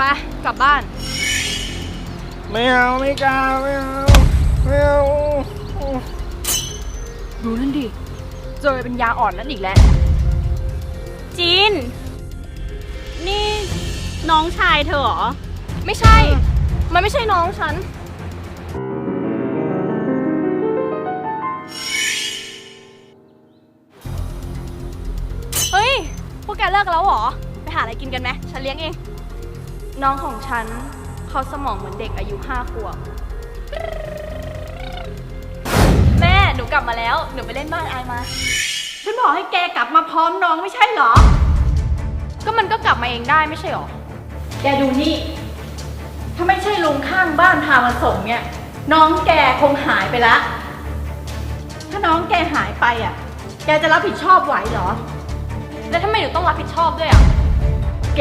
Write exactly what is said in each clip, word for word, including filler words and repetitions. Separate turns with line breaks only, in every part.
ไปกลับบ้าน
ไม่เอาไม่กล้าไม่เอาไม่เอา
ดูนั่นดิเจอเป็นยาอ่อนนั่นอีกแล้ว
จีนนี่น้องชายเธอเหรอ
ไม่ใช่มันไม่ใช่น้องฉันเฮ้ยพวกแกเลิกแล้วเหรอไปหาอะไรกินกันไหมฉันเลี้ยงเองน้องของฉันเขาสมองเหมือนเด็กอายุห้าขวบแม่หนูกลับมาแล้วหนูไปเล่นบ้านอายมา
ฉันบอกให้แกกลับมาพร้อมน้องไม่ใช่เหรอ
ก็มันก็กลับมาเองได้ไม่ใช่หรอ
แกดูนี่ถ้าไม่ใช่ลุงข้างบ้านพามาส่งเนี่ยน้องแกคงหายไปละถ้าน้องแกหายไปอ่ะแกจะรับผิดชอบไหวเหรอ
แล้วทำไมหนูต้องรับผิดชอบด้วยอ่ะ
แก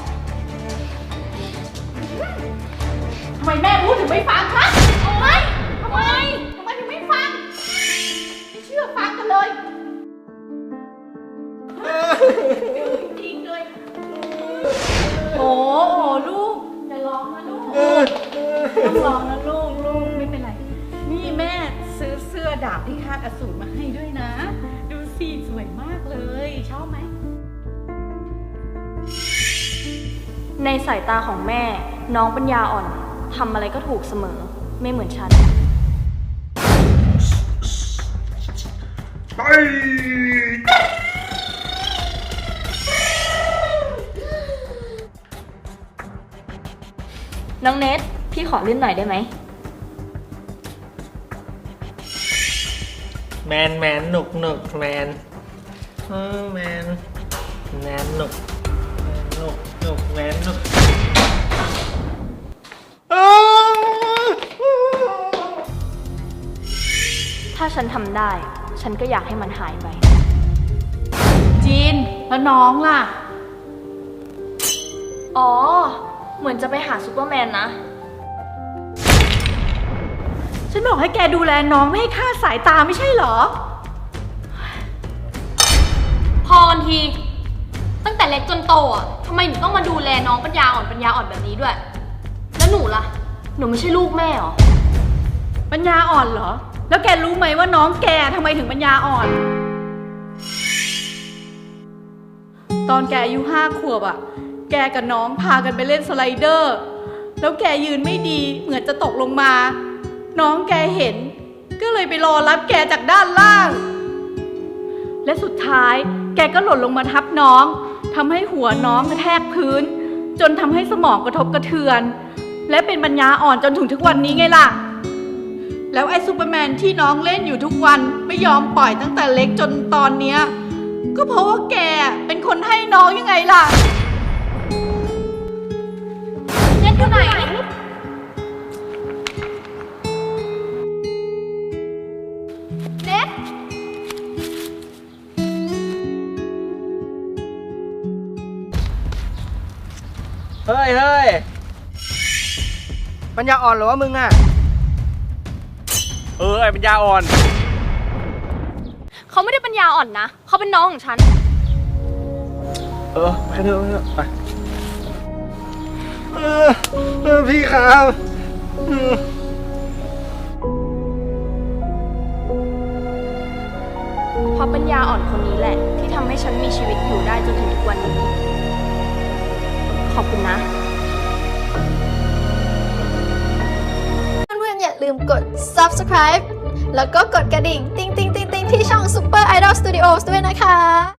ทำไมแม่พูดถึงไม่ฟังคะทำไมทำไมทำไมถึงไม่ฟังไม่เชื่อฟังกันเลยจริงเลยโอ้โหลูกอย่าร้องนะลูกต้องร้องนะลูกลูกไม่เป็นไรนี่แม่ซื้อเสื้อดาบที่คาดอสูรมาให้ด้วยนะดูสิสวยมากเลยชอบไหม
ในสายตาของแม่น้องปัญญาอ่อนทำอะไรก็ถูกเสมอไม่เหมือนฉันไปน้องเนทพี่ขอลื่นหน่อยได้ไหม
แมนแมนหนุกหนุกแมนเออแมนแมนหนุกหนุกหนุกแมนหนุก
ถ้าฉันทำได้ฉันก็อยากให้มันหายไป
จีนแล้วน้องล่ะ
อ๋อเหมือนจะไปหาซูเปอร์แมนนะ
ฉันบอกให้แกดูแลน้องไม่ให้คลาดสายตาไม่ใช่เหรอ
พอกันทีตั้งแต่เล็กจนโตอ่ะทำไมหนูต้องมาดูแลน้องปัญญาอ่อนปัญญาอ่อนแบบนี้ด้วยแล้วหนูล่ะหนูไม่ใช่ลูกแม่หรอ
ปัญญาอ่อนเหรอแล้วแกรู้ไหมว่าน้องแกทำไมถึงปัญญาอ่อนตอนแกอายุห้าขวบอ่ะแกกับน้องพากันไปเล่นสไลเดอร์แล้วแกยืนไม่ดีเหมือนจะตกลงมาน้องแกเห็นก็เลยไปรอรับแกจากด้านล่างและสุดท้ายแกก็หล่นลงมาทับน้องทำให้หัวน้องกระแทกพื้นจนทำให้สมองกระทบกระเทือนและเป็นปัญญาอ่อนจนถึงทุกวันนี้ไงล่ะแล้วไอ้ซูเปอร์แมนที่น้องเล่นอยู่ทุกวันไม่ยอมปล่อยตั้งแต่เล็กจนตอนเนี้ยก็เพราะว่าแกเป็นคนให้น้องยังไงล่ะ
เน็ตอยู่ไหนเน็ต
เฮ้ยเฮ้ยปัญญาอ่อนหรือว่ามึงอ่ะเออไอ้ปัญญาอ่อน
เขาไม่ได้ปัญญาอ่อนนะเขาเป็นน้องของฉัน
เออไปเถอะไปเถอะไปเออเออพี่ครับ
เพราะปัญญาอ่อนคนนี้แหละที่ทำให้ฉันมีชีวิตอยู่ได้จนถึงทุกวันนี้ขอบคุณนะ
เพื่อนๆอย่าลืมกด ซับสไครบ์ แล้วก็กดกระดิ่ง ติ๊งติ๊งติ๊งติ๊งที่ช่อง Super Idol Studios ด้วยนะคะ